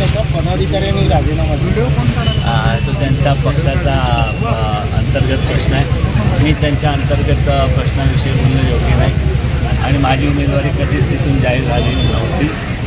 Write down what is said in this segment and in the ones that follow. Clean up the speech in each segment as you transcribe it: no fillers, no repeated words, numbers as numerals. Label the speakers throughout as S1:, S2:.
S1: त्याच्या पदाधिकाऱ्यांनी राजीनामा दिला.
S2: तो त्यांचा पक्षाचा अंतर्गत प्रश्न आहे. मी त्यांच्या अंतर्गत प्रश्नाविषयी बोलणं योग्य नाही आणि माझी उमेदवारी कधीच तिथून जाहीर झालेली नव्हती.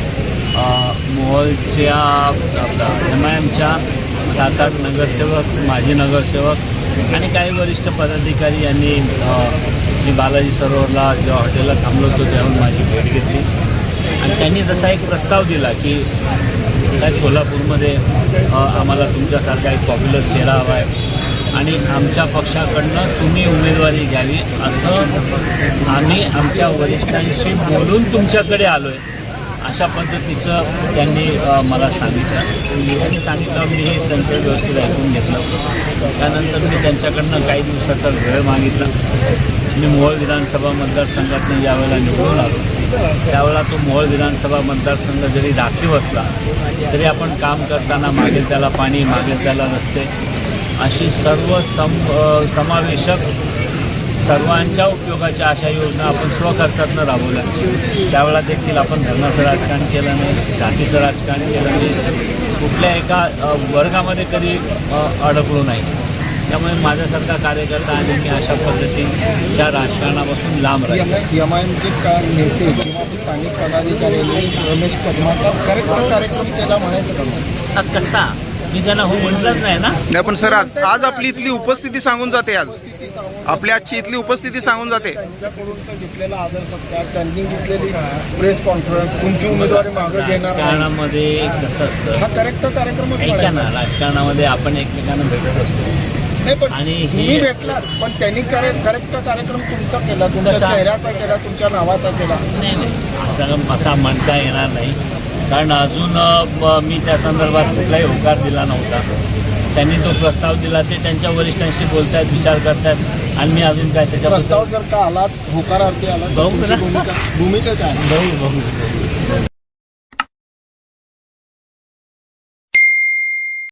S2: मोहोळच्या MIMच्या 7-8 नगरसेवक, माजी नगरसेवक आणि काही वरिष्ठ पदाधिकारी यांनी मी बालाजी सरोवरला जेव्हा हॉटेलला थांबलो होतो तेव्हा माझी भेट घेतली आणि त्यांनी तसा एक प्रस्ताव दिला की साहेब सोलापूरमध्ये आम्हाला तुमच्यासारखा एक पॉप्युलर चेहरा हवा आहे आणि आमच्या पक्षाकडनं तुम्ही उमेदवारी घ्यावी असं आम्ही आमच्या वरिष्ठांशी बोलून तुमच्याकडे आलो आहे. अशा पद्धतीचं त्यांनी मला सांगितलं. त्यांनी सांगितलं मी हे त्यांचं व्यवस्थित ऐकून घेतलं. त्यानंतर मी त्यांच्याकडनं काही दिवसाचा वेळ मागितला. मी मोहोळ विधानसभा मतदारसंघातून ज्यावेळेला निवडून आलो त्यावेळेला तो मोहोळ विधानसभा मतदारसंघ जरी राखीव असला तरी आपण काम करताना मागेल त्याला पाणी, मागेल त्याला रस्ते अशी सर्व समावेशक सर्वांच्या उपयोगाच्या अशा योजना आपण स्वखर्चातून राबवल्या. त्यावेळेला देखील आपण धर्माचं राजकारण केलं नाही, जातीचं राजकारण केलं नाही, कुठल्या एका वर्गामध्ये कधी अडकलो नाही. त्यामुळे माझ्यासारखा कार्यकर्ता आणि मी अशा पद्धतीच्या राजकारणापासून लांब राहील.
S1: MIMचे नेते किंवा स्थानिक पदाधिकाऱ्यांनी रमेश कदमाचा कार्यक्रम केला म्हणायचं का?
S2: कसा मी त्यांना हो म्हटलंच नाही ना.
S3: नाही पण सर आज आपली इथली उपस्थिती सांगून जाते. आज आपल्या आजची इथली उपस्थिती सांगून जाते.
S1: त्यांच्याकडूनचा घेतलेला आदर सत्कार, त्यांनी घेतलेली प्रेस कॉन्फरन्स, तुमची उमेदवारी मागं घेणार
S2: राजकारणामध्ये कसं असतं,
S1: हा करेक्ट कार्यक्रम
S2: ऐका ना, राजकारणामध्ये आपण एकमेकांना भेटत असतो
S1: नाही पण
S2: आणि
S1: तुम्ही भेटलात पण त्यांनी करेक्ट कार्यक्रम तुमचा केला, तुमच्या चेहऱ्याचा केला, तुमच्या नावाचा केला.
S2: नाही असा म्हणता येणार नाही कारण अजून मी त्या संदर्भात कुठलाही होकार दिला नव्हता. त्यांनी तो प्रस्ताव दिला ते त्यांच्या वरिष्ठांशी बोलतायत, विचार करतायत आणि मी अजून काय त्याच्या
S1: प्रस्ताव जर का आलात होकारार्थी आला
S2: भूमिका
S1: भूमिका काय?
S2: बघू